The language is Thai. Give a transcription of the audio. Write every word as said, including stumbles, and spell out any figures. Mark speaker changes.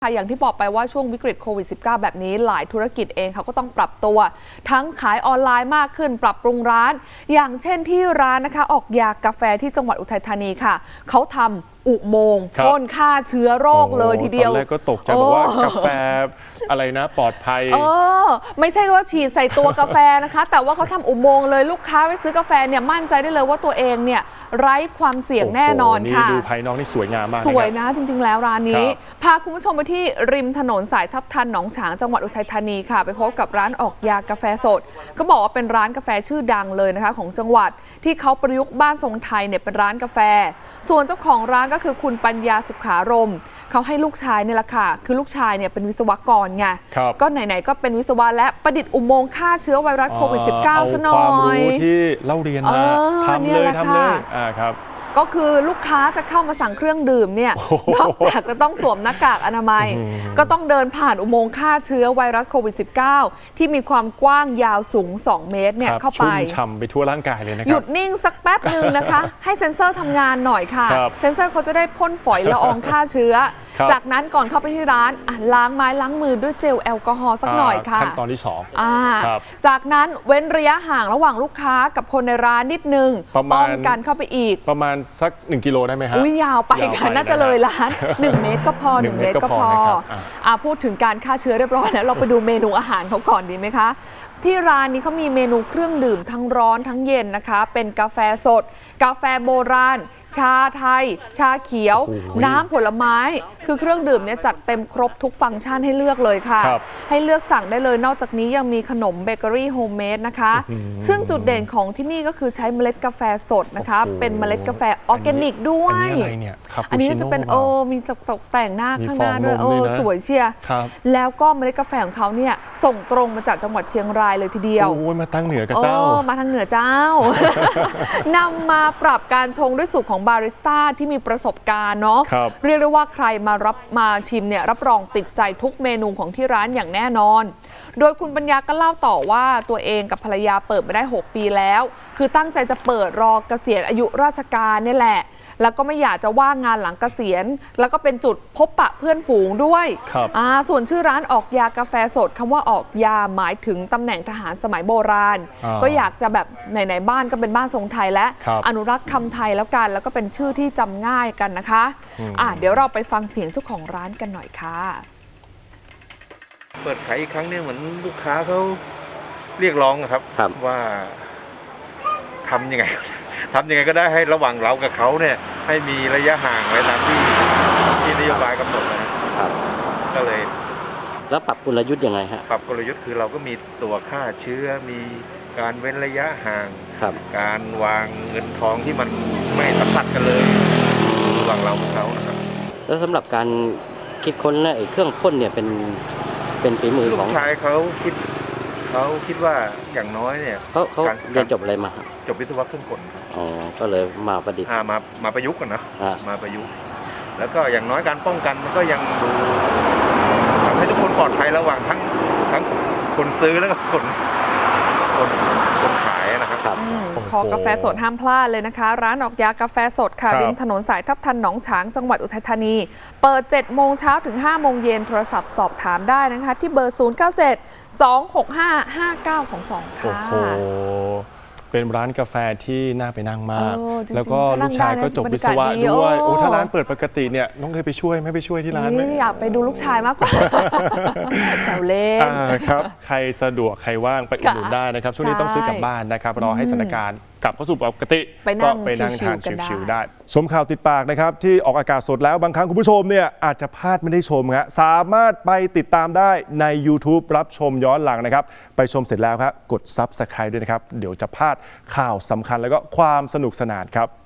Speaker 1: อย่างที่บอกไปว่าช่วงวิกฤตโควิด สิบเก้า แบบนี้หลายธุรกิจเองเขาก็ต้องปรับตัวทั้งขายออนไลน์มากขึ้นปรับปรุงร้านอย่างเช่นที่ร้านนะคะออกยากาแฟที่จังหวัดอุทัยธานีค่ะเขาทำอุโมงค์พ่นฆ่าเชื้อโรคเลยทีเดียว
Speaker 2: ตอนแรกก็ตกใจบอกว่ากาแฟอะไรนะปลอดภัย
Speaker 1: เออไม่ใช่ว่าฉีดใส่ตัวกาแฟนะคะแต่ว่าเขาทำอุโมงค์เลยลูกค้าไปซื้อกาแฟเนี่ยมั่นใจได้เลยว่าตัวเองเนี่ยไร้ความเสี่ยงแน่นอนค่ะ
Speaker 2: ดูภายนอกนี่สวยงามมาก
Speaker 1: สวยนะจริงๆแล้วร้านนี้พาคุณผู้ชมไปที่ริมถนนสายทับทันหนองฉางจังหวัดอุทัยธานีค่ะไปพบกับร้านออกยากาแฟสดก็บอกว่าเป็นร้านกาแฟชื่อดังเลยนะคะของจังหวัดที่เขาประยุกต์บ้านทรงไทยเนี่ยเป็นร้านกาแฟส่วนเจ้าของร้านก็คือคุณปัญญาสุขารมเขาให้ลูกชายเนี่ยแหละค่ะคือลูกชายเนี่ยเป็นวิศวกรไงก็ไหนๆก็เป็นวิศวะและประดิษฐ์อุโมงค์ฆ่าเชื้อไวรัสโควิด สิบเก้า ซะหน่อย
Speaker 2: เอาความรู้ที่เล่าเรียนมาทำเลยทำเลยอ่าครับ
Speaker 1: ก็คือลูกค้าจะเข้ามาสั่งเครื่องดื่มเนี่ยนอกจากจะต้องสวมหน้ากากอนามัยก็ต้องเดินผ่านอุโมงค์ฆ่าเชื้อไวรัสโควิด สิบเก้า ที่มีความกว้างยาวสูงสองเมตรเนี่ยเข้าไป
Speaker 2: ชุ่มฉ่ำไปทั่วร่างกายเลยนะครับ
Speaker 1: หยุดนิ่งสักแป๊บหนึ่งนะคะให้เซ็นเซอร์ทำงานหน่อยค่ะเซ็นเซอร์เขาจะได้พ่นฝอยละอองฆ่าเชื้อจากนั้นก่อนเข้าไปที่ร้านล้างไม้ล้างมือด้วยเจลแอลกอฮอล์สักหน่อยค่ะ
Speaker 2: ขั้นตอนที่สอง
Speaker 1: จากนั้นเว้นระยะห่างระหว่างลูกค้ากับคนในร้านนิดนึงป้องกันเข้าไปอีก
Speaker 2: ประมาณสักหนึ่งกิโลได้ไหมฮะ
Speaker 1: อุ้ยยาวไปค่ะน่าจะเลยร้านหนึ่งเมตรก็พอหนึ่งเมตรก็พออ่าพูดถึงการฆ่าเชื้อเรียบร้อยแล้วเราไปดูเมนูอาหารเขาก่อนดีไหมคะที่ร้านนี้เขามีเมนูเครื่องดื่มทั้งร้อนทั้งเย็นนะคะเป็นกาแฟสดกาแฟโบราณชาไทยชาเขียวน้ำผลไม้คือเครื่องดื่มเนี่ยจัดเต็มครบทุกฟังก์ชันให้เลือกเลยค่ะให้เลือกสั่งได้เลยนอกจากนี้ยังมีขนมเบเกอรี่โฮมเมดนะคะซึ่งจุดเด่นของที่นี่ก็คือใช้เมล็ดกาแฟสดนะคะเป็นเมล็ดกาแฟออร์แกนิกด้วยอันนี้จะเป็นเออมีตกแต่งหน้าข้างหน้าด้วยเออสวยเชียร์แล้วก็เมล็ดกาแฟของเขาเนี่ยส่งตรงมาจากจังหวัดเชียงรายเลยทีเดียว
Speaker 2: โอ้ยมาตั้งเหนือกับเจ้า
Speaker 1: มาทางเหนือเจ้านำมาปรับการชงด้วยสูตรของบาริสต้าที่มีประสบการณ์เนาะเรียกได้ว่าใครมารับมาชิมเนี่ยรับรองติดใจทุกเมนูของที่ร้านอย่างแน่นอนโดยคุณปัญญาก็เล่าต่อว่าตัวเองกับภรรยาเปิดมาได้หกปีแล้วคือตั้งใจจะเปิดรอเกษียณอายุราชการนี่แหละแล้วก็ไม่อยากจะว่างงานหลังเกษียณแล้วก็เป็นจุดพบปะเพื่อนฝูงด้วยอ่าส่วนชื่อร้านออกยากาแฟสดคำว่าออกยาหมายถึงตำแหน่งทหารสมัยโบราณก็อยากจะแบบไหนๆบ้านก็เป็นบ้านทรงไทยและอนุรักษ์คำไทยแล้วกันแล้วก็เป็นชื่อที่จำง่ายกันนะคะอ่าเดี๋ยวเราไปฟังเสียงเจ้าของร้านกันหน่อยค่ะ
Speaker 3: เปิดขายอีกครั้งเนี่ยเหมือนลูกค้าเขาเรียกร้องครับว่าทำยังไงทำยังไงก็ได้ให้ระหว่างเรากับเขาเนี่ยให้มีระยะห่างไว้ตามที่ที่นโยบายกำหนดนะครับก็เลย
Speaker 4: แล้วปรับกลยุทธ์ยังไงฮะ
Speaker 3: ปรับกลยุทธ์คือเราก็มีตัวฆ่าเชื้อมีการเว้นระยะห่างการวางเงินทองที่มันไม่สัมผัสกันเลยระหว่างเรากับเขานะครับ
Speaker 4: แล้วสำหรับการคิดค้นไอ้เครื่องพ่นเนี่ยเป็นเป็นฝีมือของ
Speaker 3: ลูกชายเขาคิดเขาคิดว่าอย่างน้อยเนี่ย
Speaker 4: เขาเขาเรียนจบอะไรมา
Speaker 3: จบวิศวะเครื่องกล
Speaker 4: อ๋อก็เลยมาประดิษฐ์
Speaker 3: มามาประยุกต์กันนะมาประยุกต์แล้วก็อย่างน้อยการป้องกันมันก็ยังดูทำให้ทุกคนปลอดภัยระหว่างทั้งทั้งคนซื้อแล้วก็คนคนคนขายนะครับ
Speaker 1: ขอกาแฟสดห้ามพลาดเลยนะคะร้านออกยากาแฟสดค่ะริมถนนสายทับทันหนองฉางจังหวัดอุทัยธานีเปิดเจ็ดโมงเช้าถึงห้าโมงเย็นโทรศัพท์สอบถามได้นะคะที่เบอร์ศูนย์ เก้า เจ็ด สอง หก ห้า ห้า เก้า สอง สองค่ะ
Speaker 2: โอ้โหเป็นร้านกาแฟที่น่าไปนั่งมากแล้วก็ลูกชายก็จบวิศวะด้วยโอ้ถ้าร้านเปิดปกติเนี่ยน้องเคยไปช่วยไม่ไปช่วยที่ร้านไหม
Speaker 1: อยากไปดูลูกชายมากกว่าแซวเล่น
Speaker 2: ครับใครสะดวกใครว่างไปอุดหนุนได้นะครับช่วงนี้ต้องซื้อกลับบ้านนะครับรอให้สถานการณ์กลับเข้าสู่ปกติก็ไปนั่งทานชิวๆได้ชมข่าวติดปากนะครับที่ออกอากาศสดแล้วบางครั้งคุณผู้ชมเนี่ยอาจจะพลาดไม่ได้ชมครับสามารถไปติดตามได้ใน YouTube รับชมย้อนหลังนะครับไปชมเสร็จแล้วครับกด ซับสไครบ์ ด้วยนะครับเดี๋ยวจะพลาดข่าวสำคัญแล้วก็ความสนุกสนานครับ